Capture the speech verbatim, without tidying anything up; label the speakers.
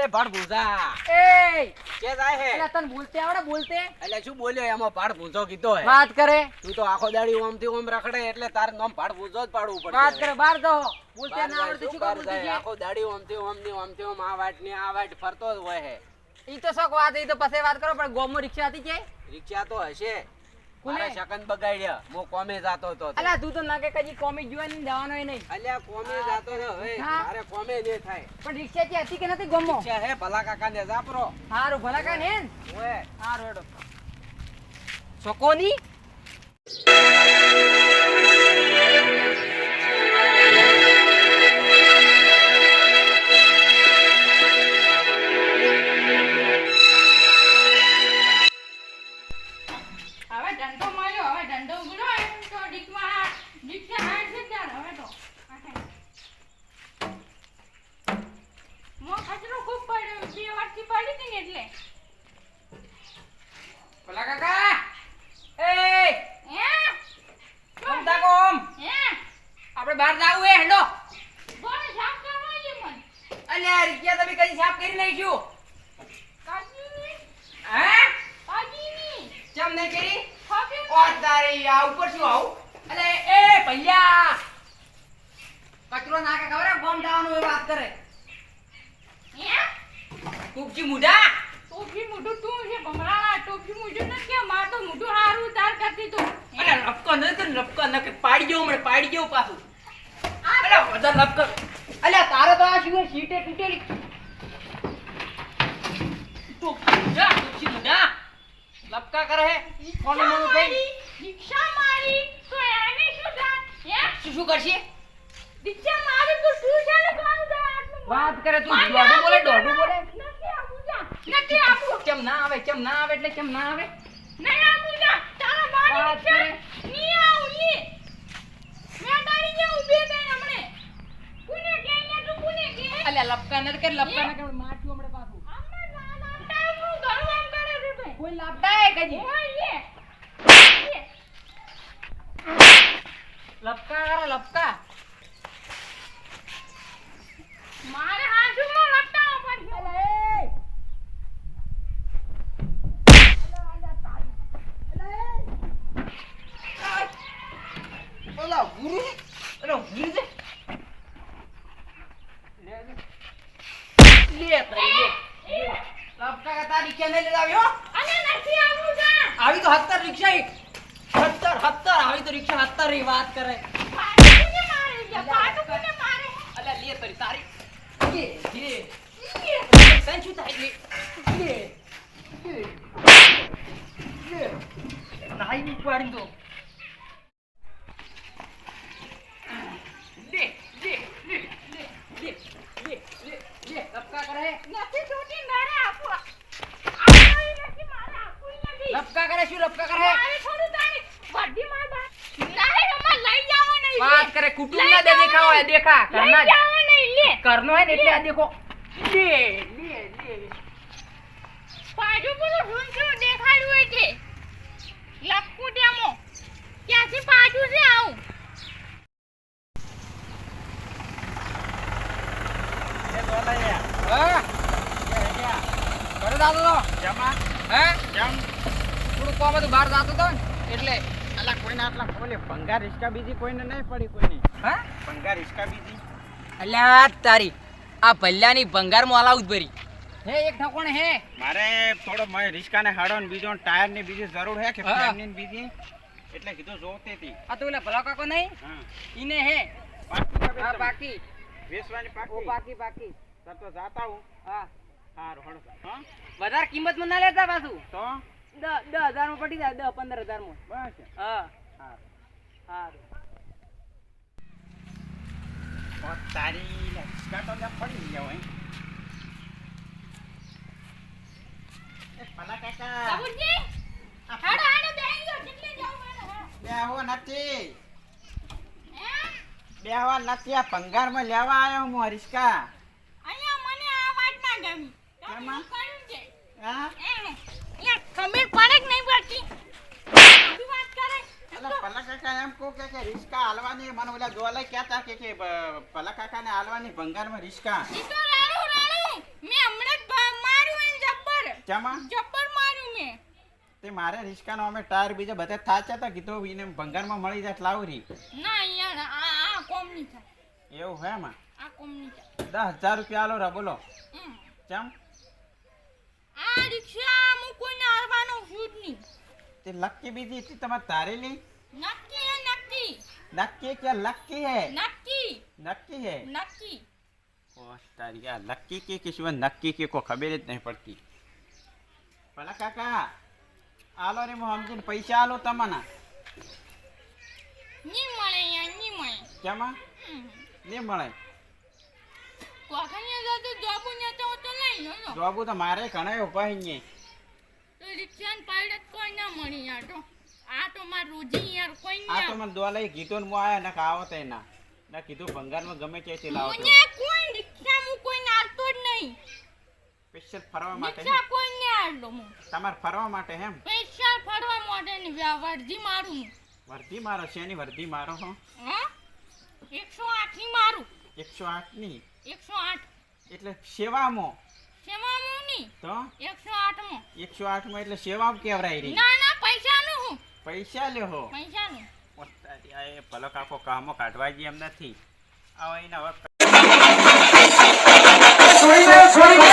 Speaker 1: ભાડ ભૂંજા
Speaker 2: એ
Speaker 1: કે જાય હે
Speaker 2: એટલે તને બોલતે આવડે બોલતે
Speaker 1: એટલે શું બોલ્યો એમાં ભાડ ભૂંજો કીધો હે
Speaker 2: વાત કરે
Speaker 1: તું તો આખો દાડી ઓમ થી ઓમ રખડે એટલે તાર નામ ભાડ ભૂંજો જ પાડવું પડે
Speaker 2: વાત કરે બહાર જાઓ બોલતે ના આવડે શું
Speaker 1: બહાર
Speaker 2: બોલતી
Speaker 1: જાય
Speaker 2: છે
Speaker 1: આખો દાડી ઓમ થી ઓમ ની ઓમ થી ઓમ આ વાટ ની આ વાટ ફરતો જ હોય હે
Speaker 2: ઈ તો શોખ વાત ઈ તો પછી વાત કરો પણ ગોમો રિક્ષા હતી કે
Speaker 1: રિક્ષા તો હશે
Speaker 2: કોને?
Speaker 1: મારા શકન બગાડ્યા મો કોમે જાતો તો તે.
Speaker 2: અલા તું તો ના કે કજી કોમી જોવા નહીં જવાનો એ નહીં
Speaker 1: અલ્યા કોમે જાતો ને હવે
Speaker 2: હા.
Speaker 1: મારે કોમે ને થાય
Speaker 2: પણ રિક્ષા થી હતી કે નથી ગોમો
Speaker 1: રિક્ષા હે ભલા કાકા ને જાપરો
Speaker 2: હારું ભલા કા ને
Speaker 1: ઓએ
Speaker 2: હારું હેડો છોકોની
Speaker 3: હવે દંડો મળ્યો હવે દંડો ઉગડો તો ડીકમાં ડીકસે હાડ છે ચાલ હવે તો મો કચરો ખૂબ પડ્યો બે વર્ષથી પડી હતી ને એટલે
Speaker 2: ભલા કાકા એ
Speaker 3: હે
Speaker 2: કોમ તા કોમ
Speaker 3: હે
Speaker 2: આપણે બહાર જાવું હે હેડો
Speaker 3: બોલે સાફ કરવા છે મન
Speaker 2: અલ્યા રિક્ષા તમે કઈ સાફ કરી નાખ્યું
Speaker 3: કાજીની
Speaker 2: હે
Speaker 3: કાજીની
Speaker 2: ચમ નહીં કરી
Speaker 3: ખોટી
Speaker 2: ઓ તારી આ ઉપર શું આવું અલે એ ભૈયા કચરો નાખે ખબર હે ગોમ જવાનું એ વાત કરે
Speaker 3: હે
Speaker 2: કુકજી મુઢા
Speaker 3: ટોપી મોઢું તું છે ભમરાળા ટોપી મોઢું ન કે માર તો મોઢું હારું તાર કરતી તું
Speaker 2: અલે લપકો ન કર લપકો ન કે પાડી જેવું મને પાડી જેવું પાછું અલે વધાર લપકો અલે તારે તો આ શું સીટે તૂટેલી તો જા કુકજી મુઢા લપકા કરે હે કોને મને કઈ
Speaker 3: રિક્ષા મારી તો એને શું થાય હે
Speaker 2: શું શું કરશે
Speaker 3: રિક્ષા મારી તો શું છે ને કામ થાય આટલું
Speaker 2: વાત કરે તું દોડું બોલે દોડું બોલે
Speaker 3: નથી આપું જા નથી આપું
Speaker 2: કેમ ના આવે કેમ ના આવે એટલે કેમ ના આવે
Speaker 3: નહીં આપું જા તારા બાની
Speaker 2: વાત કરે.
Speaker 3: રિક્ષા ની આવું ની મેં તારી જે ઊભી થઈ હમણે કોને કે ને તું કોને કે
Speaker 2: અલે લપકા ન કર લપકા ન કર માઠું હમણે પાછું
Speaker 3: આમને ના ના ટાઈમ નું ઘણું આમ કરે છે ભાઈ
Speaker 2: કોઈ લાપતા હે કજી
Speaker 3: ઓય લે લે.
Speaker 2: લપકા કરે લપકા
Speaker 3: મારે હાથમાં લપટાવો પડશે
Speaker 2: અલે ઓલા ગુરુ ઓલો ગુરુ છે લે લે તારી લે લપકા કા તારી કે નહીં લઈ આવ્યો
Speaker 3: અને નથી આવું જા
Speaker 2: આવી તો હત્તર રિક્ષા એક હત્તર હત્તર આવી તો રિક્ષા હત્તર ની વાત કરે
Speaker 3: પાટુને મારે જા પાટુને મારે
Speaker 2: અલે લે તારી તારી લે લે તને શું થાય લે લે લે નાઈ ની પાડી દો લે લે લે લે લે લે લે લે લપકા કરે
Speaker 3: નથી છોટી મારે આપો આપો નથી મારે આપું નથી
Speaker 2: લપકા કરે શું લપકા કરે
Speaker 3: મારે થોડું તારી બધી માર બા નહીં મમ્મા લઈ જાવ નહીં
Speaker 2: વાત કરે કુટુંબ ના દે દેખાવ હે દેખા
Speaker 3: લઈ
Speaker 2: કરના
Speaker 3: જાવ નહીં લે
Speaker 2: કરનો હે ને એટલે આ દેખો લે લે લે
Speaker 3: પાછું પેલું ઢૂંઢું દેખાડ્યું હોય છે લપકું ડેમો ક્યાંથી પાછું છે આવું
Speaker 1: એ બોલાયા
Speaker 2: હા
Speaker 1: એ ગયા
Speaker 2: ઘરે જાતો તો
Speaker 1: જમા
Speaker 2: હે
Speaker 1: જમ
Speaker 2: થોડું કોમ હતું બહાર જાતો તો ને એટલે
Speaker 1: અલા કોઈને આટલા બોલે ભંગાર રિસ્કા બીજી કોઈને નહીં પડી કોઈની
Speaker 2: હે
Speaker 1: ભંગાર રિસ્કા બીજી
Speaker 2: અલ્યા તારી આ ભલ્યાની ભંગાર માં અલાઉદ ભરી હે એક ઠકોણે હે
Speaker 1: મારે થોડો મેં રિસ્કાને હાડો ને બીજો ટાયર ની બીજી જરૂર હે કે
Speaker 2: હા.
Speaker 1: ફ્રેમ ની બીજી એટલે કીધું જોતી હતી
Speaker 2: આ તો ઓલા ભલા કાકો નહીં
Speaker 1: હા
Speaker 2: ઈને હે
Speaker 1: પાકી
Speaker 2: હા
Speaker 1: વેચવાની.
Speaker 2: બાકી
Speaker 1: વેચવાની
Speaker 2: ઓ
Speaker 1: પાકી
Speaker 2: બાકી બાકી
Speaker 1: સર તો જાતા હું
Speaker 2: હા
Speaker 1: હારું હળો હા
Speaker 2: વધારે કિંમત માં ના લેતા પાછું
Speaker 1: તો
Speaker 2: દસ દસ હજાર માં પડી જાય દસ પંદર હજાર માં
Speaker 1: બસ
Speaker 2: હા
Speaker 1: હારું
Speaker 2: હા
Speaker 1: ઓ તારી લે રિસ્કા તો લે પડી ગયો હે એ ભલા કાકા
Speaker 3: બાબુજી હાડો હાડો બેહી ગયો કેટલે જાવ મને
Speaker 1: બેહો નથી
Speaker 3: હે
Speaker 1: બેહવા નથી આ ભંગારમાં લેવા આવ્યો હું આ રિસ્કા
Speaker 3: અહીંયા મને આ વાત ના ગમી તમે
Speaker 1: કેમાં?
Speaker 3: શું કર્યું છે
Speaker 1: હા
Speaker 3: એ લે ખમીર પડે કે નહીં પડતી આવી વાત કરે
Speaker 1: અલા ભલા કાકા એમ કહું કે કે રિસ્કા હાલવાની મને ઓલા જોવાલા કહેતા કે કે બ- ભલા કાકાને હાલવાની ભંગારમાં રિસ્કા
Speaker 3: ઈ તો રાડું રાડું મેં હમણાં જ
Speaker 1: ચામાં
Speaker 3: જબ્બર માર્યું મેં.
Speaker 1: તે મારે રિસ્કાનો અમે ટાયર બીજા બધા થાચા હતા કીધું એને ભંગારમાં મળી જાય લાવરી
Speaker 3: ના યાર આ આ કોમ નહીં થાય.
Speaker 1: એવું હે માં
Speaker 3: આ કોમ નહીં થાય.
Speaker 1: દસ હજાર રૂપિયા આલો રા બોલો
Speaker 3: હમ.
Speaker 1: ચમ
Speaker 3: આ રિક્ષા હું કોઈને હારવાનો છું જ નહીં.
Speaker 1: તે લક્કી બીજી હતી તમારે તારેલી
Speaker 3: નક્કી હે નક્કી.
Speaker 1: નક્કી કે લક્કી હે
Speaker 3: નક્કી
Speaker 1: નક્કી હે
Speaker 3: નક્કી.
Speaker 1: ઓ તારી આ લક્કી કે કે શું નક્કી કે કોઈ ખબર જ નહીં પડતી ભલા કાકા આલો રે હું સમજીને પૈસા આલો તમને
Speaker 3: નહીં મળે યાર નહીં મળે.
Speaker 1: કેમાં
Speaker 3: હમ.
Speaker 1: નહીં મળે
Speaker 3: કોકણીએ જતો જોબુ ને તો તો લઈ લો લો.
Speaker 1: જોબુ તો મારે ઘણા ઉભા અહીંયા
Speaker 3: તો રિક્ષાન પાડત કોઈ ના મળી યાર તો. આ તો માર રોજી યાર કોઈ
Speaker 1: આ તો
Speaker 3: ના.
Speaker 1: મને દોવા લઈ કીધું ને હું આયા ને આવો તે ના ના કીધું ભંગારમાં ગમે ત્યાંથી લાવો તો
Speaker 3: મને કોઈ રિક્ષા હું કોઈ નાલતો જ નહીં.
Speaker 1: સ્પેશિયલ ફરવા માટે
Speaker 3: રિક્ષા કોઈ ને આડલો હું.
Speaker 1: તમારે ફરવા માટે એમ
Speaker 3: પૈસા ફરવા માટે ની વર્ધી મારું હું.
Speaker 1: વર્ધી મારો શેની વર્ધી મારો હો
Speaker 3: હા એકસો આઠ ની મારું.
Speaker 1: એકસો આઠ ની
Speaker 3: એકસો આઠ
Speaker 1: એટલે સેવામાં
Speaker 3: સેવામાં ની
Speaker 1: તો
Speaker 3: એકસો આઠ માં.
Speaker 1: એકસો આઠ માં એટલે સેવામાં કેવરાય રહી
Speaker 3: ના ના પૈસા નું હું
Speaker 1: પૈસા લ્યો હો
Speaker 3: પૈસા નું.
Speaker 1: ઓ તારી આ એ ભલો કાકો કામો કાઢવા જઈ એમ નથી આવો એને હવે